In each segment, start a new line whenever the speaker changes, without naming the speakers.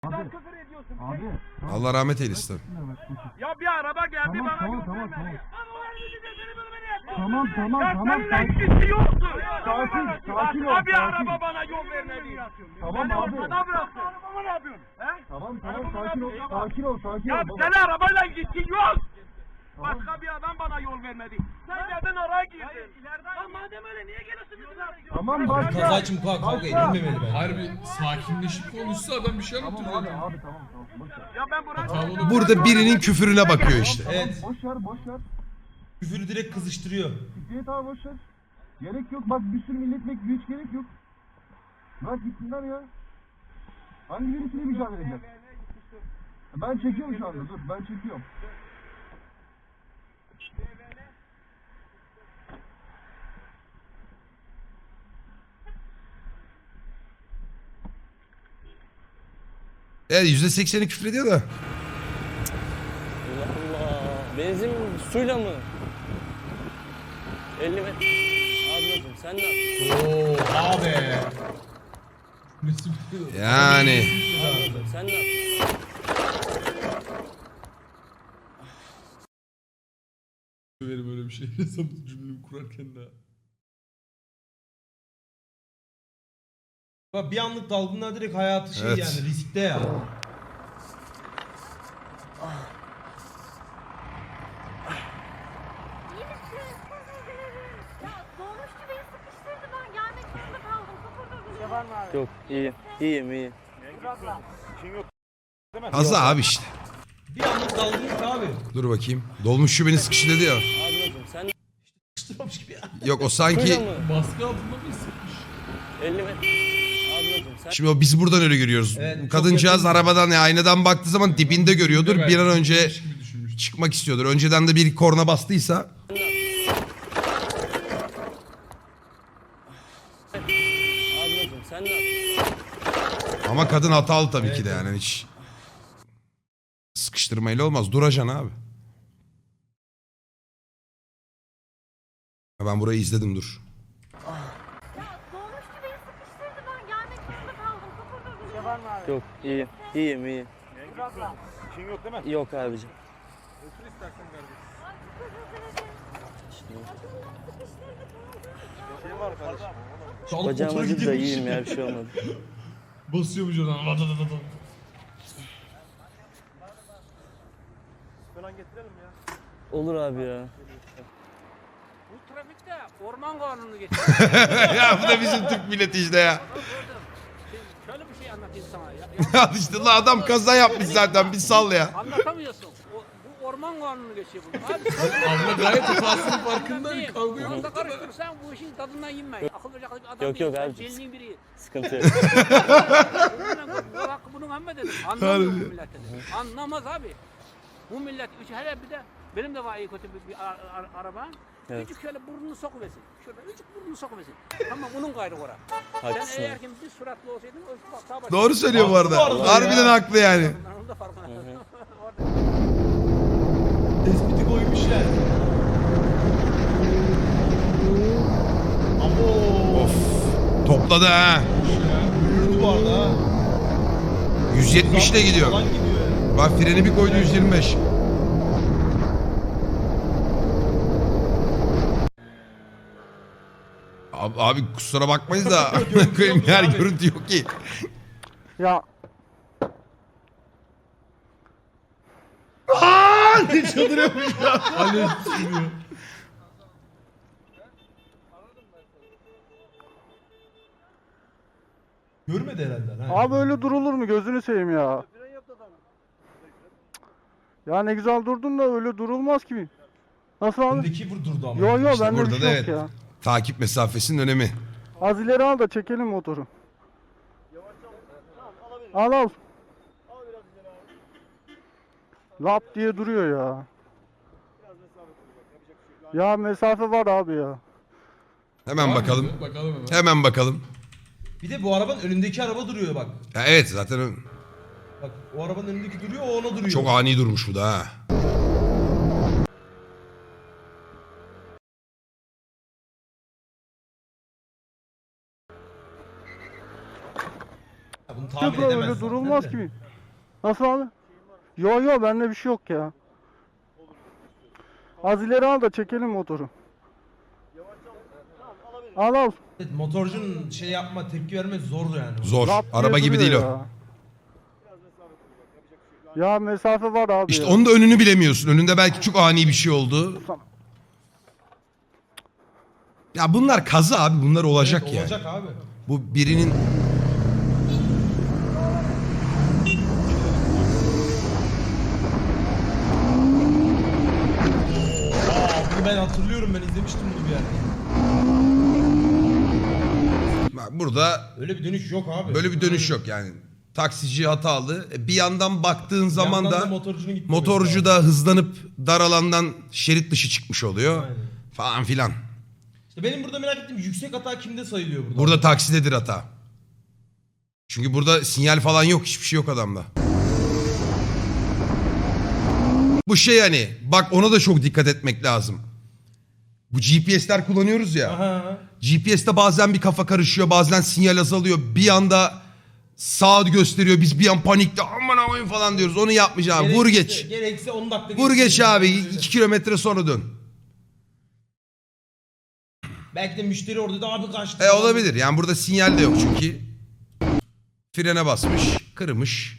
Abi, küfür ediyorsun.
Abi.
Allah rahmet eylesin.
Ya bir araba geldi
Tamam,
bana
tamam,
yol
tamam,
vermedi.
Tamam, tamam,
Ya
tamam.
seninle ilgisi yoktu.
Sakin ol,
Başka bir
sakin.
araba bana yol vermedi.
Tamam
Beni
abi.
ortada bıraktı. Arabamı ne yapıyorsun? He?
Tamam,
Arabamı
sakin ol,
ne yapıyorsun?
sakin ol, sakin ol.
Ya
baba.
senin arabayla ilgisi yok. Başka bir adam bana yol vermedi. Sen nereden araya girdin? Ya madem öyle niye geliyorsun bizim?
Tamam, başla.
Kaza için bu kadar kavga edilmemeli bence.
Harbi sakinleşip konuşsa adam bir şey
Tamam
anlatıyor
abi,
zaten.
abi tamam, tamam. Boş ver.
Ya ben
Hatalı
buraya...
Burada birinin küfürüne bakıyor işte.
Tamam,
Evet.
boş ver, boş ver.
Küfürü direkt kızıştırıyor.
Ciddiyet abi boş ver. Gerek yok, bak bir sürü milletvekili hiç gerek yok. Bırak gitsinler ya. Hangi birisiyle mücadele edeceğiz? Ben çekiyorum şu anda, dur ben çekiyorum.
Evet %80'i küfür ediyor da.
Allah Allah. Benzin suyla mı? 50 metre. Ablacım sen ne yapıyorsun?
Oo abi.
Yani.
Ablacım sen ne yapıyorsun?
Böyle böyle bir şey desem cümlemi kurarken daha.
Bak bir anlık dalgınlığa direkt hayatı şey
Evet.
yani riskte ya.
İyi misin? Ya dolmuşçu beni sıkıştırdı, ben gelmek zorunda kaldım. Kapıda
Yok iyiyim. İyiyim iyiyim.
Fazla abi işte.
Bir anlık dalgınlık abi.
Dur bakayım. Dolmuş şu beni sıkıştı diyor.
Ablacım sen ne
Sıkıştırmamış gibi ya.
Yok o
Suyla
sanki...
mı?
Baskı altında mı hissetmiş?
50 metre. Ablacım sen
Şimdi o biz buradan öyle görüyoruz.
Evet, çok
Kadıncağız
yakın.
arabadan aynadan baktığı zaman dibinde görüyordur. Bir an önce
Gibi düşünmüş.
çıkmak istiyordur. Önceden de bir korna bastıysa.
Ablacım sen ne yapıyorsun?
Ama kadın hatalı tabii ki de yani hiç. Sıkıştırmayla olmaz. Duracaksın abi. Ben burayı izledim dur.
Ya dolmuşçu beni sıkıştırdı, ben gelmek zorunda kaldım. Kapıda
Yok iyiyim. İyiyim iyiyim. Yok abicim.
Sağlık
Bacağım
motoru
acıdı da
gidiyormuş.
iyiyim ya bir şey olmadı.
Basıyormuş oradan.
Olur abi ya.
Bu trafikte orman kanunu geçiyor.
Ya bu da bizim Türk milleti işte ya.
Şöyle bir şey anlatayım sana. Ya,
Ya işte la adam kaza yapmış zaten bir sal ya.
anlatamıyorsun. Bu orman kanunu geçiyor bunu. Abi,
Abla gayet hatasının farkında.
değil.
Bir kavga yok.
Onu da karıştırırsan bu işin tadından yenme. Akıl verecek bir adam
Yok,
değil.
yok
Sen
abi.
Celinin biri.
Sıkıntı yok.
Bu hakkı bunun emme dedim. Anlamıyor bu millet dedim. Anlamaz abi. Bu millet, hele bir de benim de var iyi kötü bir araba.
Evet.
Küçük şöyle burnunu sokuversin. Şurada küçük burnunu sokuversin. Tamam bunun gayrı ora.
Haklısın.
Sen eğer ki bir suratlı olsaydın o bak sağ başa.
Doğru söylüyor bu arada.
Haklı bu arada
Harbiden
ya.
haklı yani.
Ben onun da farkına. Orada.
Tespiti koymuşlar. Abo.
Of. Topladı ha.
Yürüdü bu arada ha.
170 ile gidiyor.
Falan gidiyor.
Bak freni bir koydu 125. Abi kusura bakmayız da koyayım yer
abi.
görüntü yok ki.
Ya
Ne çıldırıyormuş ya.
Alev sürüyor.
Görmedi herhalde. Ha.
abi öyle durulur mu gözünü seveyim ya. Ya ne güzel durdun da öyle durulmaz ki. Nasıl abi?
Öndeki durdu ama.
Yo yo
İşte
bende
burada
bir
da
şey yok
evet.
ya.
Takip mesafesinin önemi.
Az ileri al da çekelim motoru. Al al. Lap diye duruyor ya. Ya mesafe var abi ya.
Hemen bakalım.
Bakalım hemen.
Hemen bakalım.
Bir de bu arabanın önündeki araba duruyor bak.
Ya evet zaten
Bak o arabanın önündeki duruyor o ona duruyor.
çok ani durmuş bu da ha.
Ya bunu tahmin
Öyle
edemez zaten
durulmaz
de.
ki.
Nasıl abi? Yo bende bir şey yok ya. Az ileri al da çekelim motoru. Al.
Evet, motorcunun şey yapma tepki vermesi zordu yani.
Zor.
Lap diye
Araba gibi değil
duruyor
o.
Ya mesafe var abi.
İşte
ya.
onun da önünü bilemiyorsun. Önünde belki çok ani bir şey oldu. Ya bunlar kaza abi. Bunlar olacak
Evet,
yani.
olacak abi.
Bu birinin...
Bunu ben hatırlıyorum, ben izlemiştim bunu bir yerde.
Bak burada
Öyle bir dönüş yok abi.
böyle bir dönüş yok yani. Taksici hatalı. Bir yandan baktığın zaman
yandan
da
da motorcunun gitmesi
motorcu da hızlanıp dar alandan şerit dışı çıkmış oluyor.
Aynen.
Falan filan.
İşte benim burada merak ettiğim yüksek hata kimde sayılıyor burada?
Burada taksidedir hata. Çünkü burada sinyal falan yok. Hiçbir şey yok adamda. Bu şey hani bak ona da çok dikkat etmek lazım. Bu GPS'ler kullanıyoruz ya.
Aha.
GPS'te bazen bir kafa karışıyor, bazen sinyal azalıyor. Bir anda sağ gösteriyor. Biz bir an panikte aman aman falan diyoruz. Onu yapmayacağım. Vur geç.
Gerekse 10 dakika.
Vur geç
geçsin.
abi. 2 kilometre sonra dön.
Belki de müşteri orada da abi kaçtı.
Olabilir. Yani burada sinyal de yok çünkü. Frene basmış, kırmış.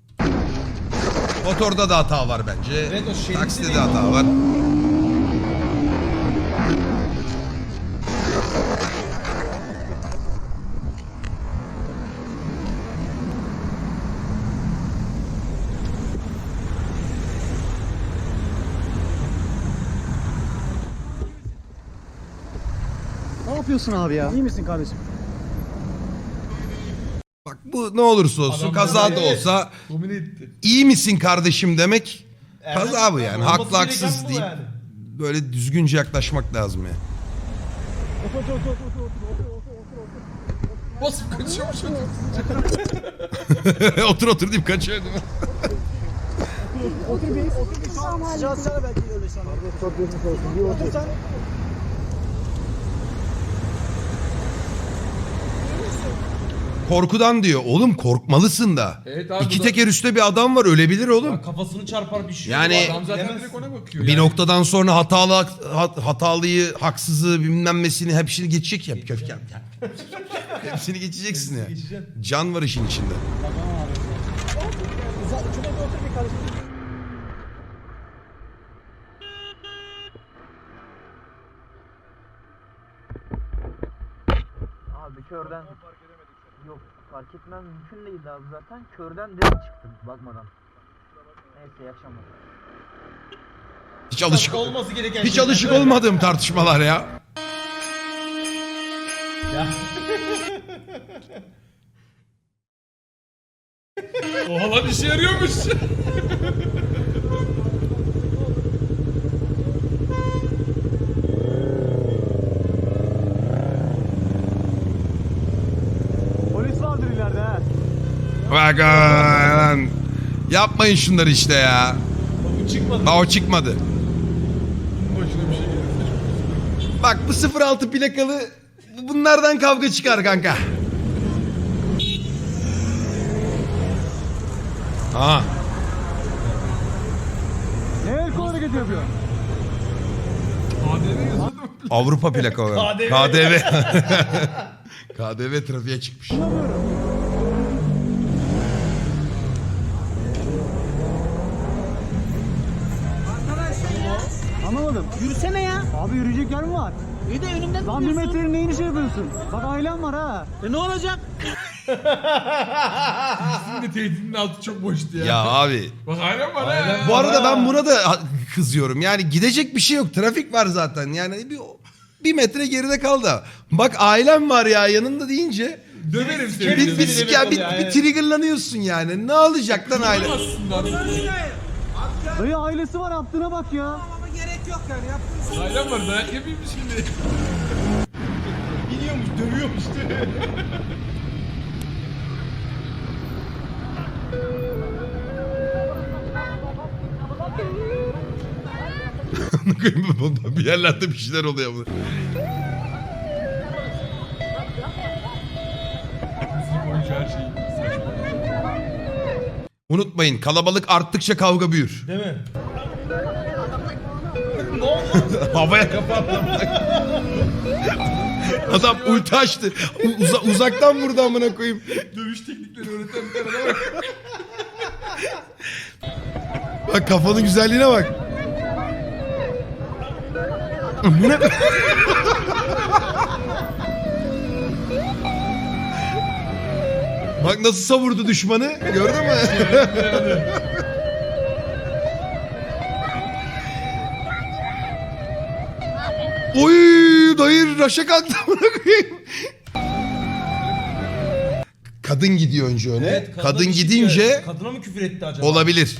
Motorda da hata var bence.
Evet, o şeritte
Takside de
değil
hata var.
Ne yapıyorsun abi ya? İyi misin kardeşim?
Bak bu ne olursa olsun
Adam
kaza da
böyle
olsa
Domine etti.
iyi misin kardeşim demek kaza bu yani.
Olması
Haklı
gereken
haksız
bu
deyip
yani.
böyle düzgünce yaklaşmak lazım yani.
Basıp kaçıyormuş adam.
Otur otur deyip kaçıyor değil mi? Korkudan diyor. Oğlum korkmalısın da.
Evet abi,
İki
bu da-
teker üstte bir adam var ölebilir oğlum.
Ya kafasını çarpar bir şey.
Yani-
olur,
Adam zaten
bilemez.
direkt ona bakıyor.
Bir
yani.
noktadan sonra hatalıyı, haksızı bilmem nesini hepsini geçecek ya. Köfkem. Hepsini geçeceksin ya.
Geçeceksin.
Can var işin içinde.
Abi körden yok fark etmem mümkün değildi abi zaten körden direkt çıktım bakmadan. Neyse iyi akşamlar.
Hiç alışık
Olması gereken
hiç
şeyler.
alışık olmadığım tartışmalar ya.
Ya.
Oha lan işe yarıyormuş.
Polis vardır ileride ha.
Bak lan. Yapmayın şunları işte ya.
Bu çıkmadı.
Daha o çıkmadı.
Başına bir şey gelirse.
Bak bu 06 plakalı bunlardan kavga çıkar kanka. Aha.
Ne el kol hareketi yapıyor?
ADV yazıyordu.
Avrupa plaka o.
KDV.
KDV. KDV trafiğe çıkmış.
Anlamadım.
Yürüsene ya.
Abi yürüyecek yer mi var?
İyi de önümden
Lan 1 metrenin neyini şey yapıyorsun? Bak ailem var ha.
Ne olacak?
Sizin de tehdidin altı çok boştu ya.
Ya abi.
Bak hala var ha.
Bu arada ben buna da kızıyorum. Yani gidecek bir şey yok. Trafik var zaten. Yani bir metre geride kaldı. Bak ailem var ya yanında deyince
Döverim seni.
Bir-
bir,
bir-
ya, bir
yani.
triggerlanıyorsun yani. Ne olacak lan aile?
Dayı ailesi var yaptığına bak ya.
Ailem var dayak yapayım mı şimdi?
Biliyormuş, dövüyormuş.
Bir yerlerde bir şeyler oluyor. Bu.
Müzik oyuncu her şey. Saçma.
Unutmayın, kalabalık arttıkça kavga büyür.
Değil mi? Ne oldu?
Havaya kapattım. Adam ulti açtı. Uzaktan vurdu amına koyayım.
Dövüş teknikleri öğreten bir tane de var.
Bak kafanın güzelliğine bak. Bu ne? Bak nasıl savurdu düşmanı. Gördün mü? Oy dayı raşa kalktı amına koyayım. Kadın gidiyor önce öne.
Evet,
kadın
bir şey
gidince
söyledi. Kadına mı küfür etti acaba?
olabilir.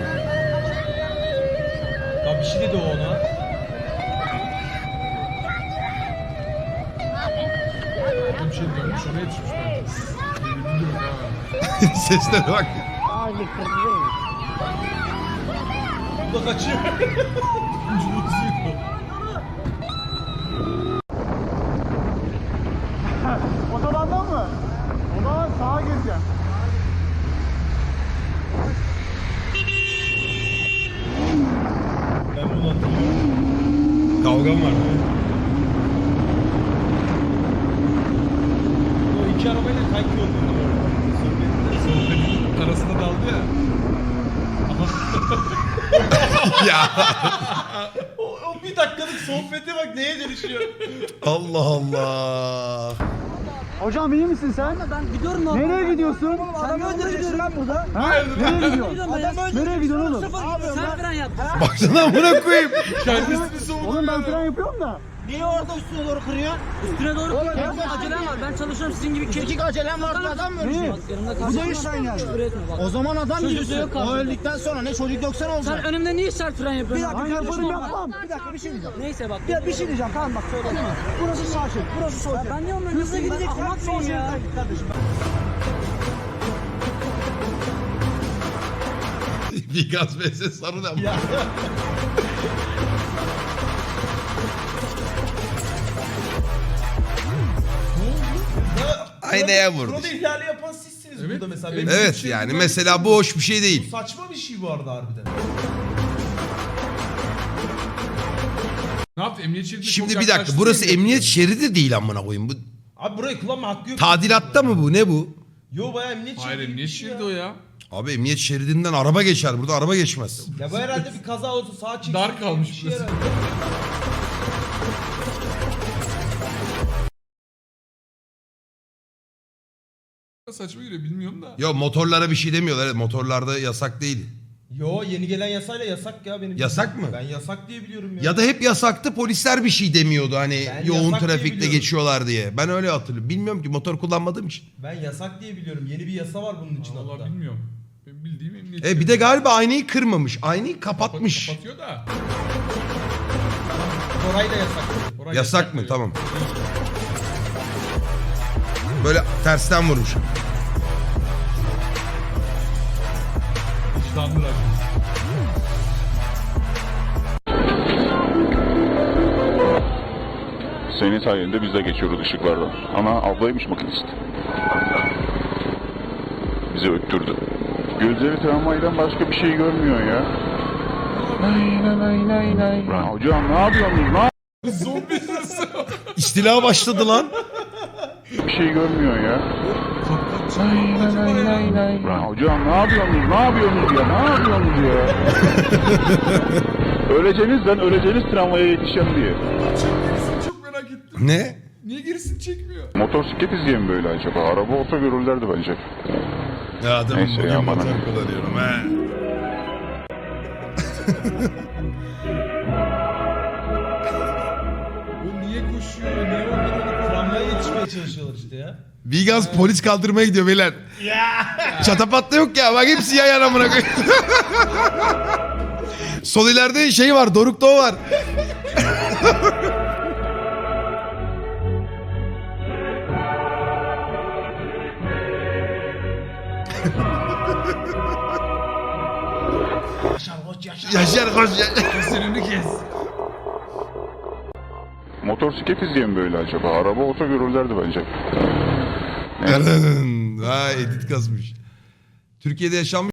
Ya bir şey dedi o ona.
Bir şey dönmüş ona yetişmiş bence. Bilmiyorum ha.
Seslere bak.
Bu da kaçıyor.
Otobandan mı? O zaman sağa gireceğim.
Ben bunu hatırlıyorum.
Kavgam var.
O iki arabayla kanki oldu.
Sohbetin arasında daldı ya.
Ya
O bir dakikalık sohbete bak neye dönüşüyor.
Allah Allah.
Hocam iyi misin sen?
Ben gidiyorum lan.
Nereye gidiyorsun?
Sen ne öldüreceksin lan burada?
Ha? Nereye gidiyorsun? Nereye gidiyorsun oğlum?
Sen fren yap.
Baksana amına koyayım.
Kendisini savundu.
Oğlum ben fren yapıyorum da.
Niye orada üstüne doğru kırıyor? Üstüne doğru kırıyor. Benim acelem var. Ben çalışıyorum sizin gibi kirkik acelem var. Adam mı ölecek? Bu da işten yani. O zaman adam gibisin. O öldükten sonra ne çocuk yoksa ne olacak? Sen önümde niye sert fren yapıyorsun? Bir dakika kardeşim yapmam. Bir dakika bir şey diyeceğim. Neyse bak. Bir şey diyeceğim tamam bak söyle. Burası sağ şerit. Burası sol şerit. Ben diyorum hızlı gideceksin. Anlatmayın ya.
Bir gaz vs sarı da. Aynaya vurdu.
Kur'an ihlali yapan sizsiniz
Evet.
burada mesela.
Evet.
Benim
Evet
için
yani
bu-
mesela bu hoş bir şey
Bu
değil.
saçma bir şey bu arada harbiden.
Ne yaptı? Emniyet şeridine
Şimdi
çok
bir dakika
yaklaştı
burası
diye mi
emniyet
yapıyor?
şeridi değil amına koyayım. Bu
Abi burayı kullanma hakkı yok.
tadilatta mı bu? Ne bu?
Yo bayağı emniyet şeridi.
Hayır
gibi
emniyet
bir şey
şeridi
ya.
o ya.
Abi emniyet şeridinden araba geçer. Burada araba geçmez.
Ya bu herhalde bir kaza olsa sağa çeksin.
Dar kalmış
bir şey
burası.
herhalde.
Saçma geliyor bilmiyorum da.
Yo motorlara bir şey demiyorlar. Evet, motorlarda yasak değil.
Yo yeni gelen yasayla yasak ya benim.
Yasak mı?
Ben yasak diye biliyorum ya.
Ya da hep yasaktı polisler bir şey demiyordu hani
Ben
yoğun
yasak diye
trafikte
biliyorum.
geçiyorlar diye. Ben öyle hatırlıyorum. Bilmiyorum ki motor kullanmadığım için.
Ben yasak diye biliyorum. Yeni bir yasa var bunun için hatta.
Vallahi bilmiyorum. Benim bildiğim emniyet
Bir de galiba aynayı kırmamış. Aynayı kapatmış.
Kapatıyor da.
Koray da yasak.
Oraya
Yasak mı?
diyor.
Tamam. Böyle tersten vurmuş.
Vicdanlılar.
Senin sayende biz de geçiyoruz ışıklardan. Ana ablaymış makinist. Bizi öttürdü. Gözleri travmaydan başka bir şey görmüyor ya. Lan hocam ne yapıyorsunuz?
Zombi sırası.
İstila başladı lan.
Bir şey görmüyor ya. Lan hocam ne yapıyorsunuz? Ne yapıyorsunuz ya? Ne yapıyorsunuz ya? öleceğiniz tramvaya yetişeceğim diye.
Çok merak ettim.
Ne?
Niye gerisini çekmiyor?
Motosiklet izleyen mi böyle acaba? Araba olsa görürlerdi bence.
Ya adamım
Neyse
bugün
ya,
motor
bana.
kullanıyorum he.
O niye koşuyor? Niye onları
Tramvaya yetişmeye çalışıyorlar işte ya.
Vigaz polis kaldırmaya gidiyor beyler. Çatapat da yok ya. Bak hepsi yan yana amına koyayım. Sol ileride şey var. Doruk'ta o var. Yaşar koş yaşar.
Seni kes.
Motosiklet izleyen mi böyle acaba? Araba olsa görürlerdi bence.
Ha edit kasmış. Türkiye'de yaşanmış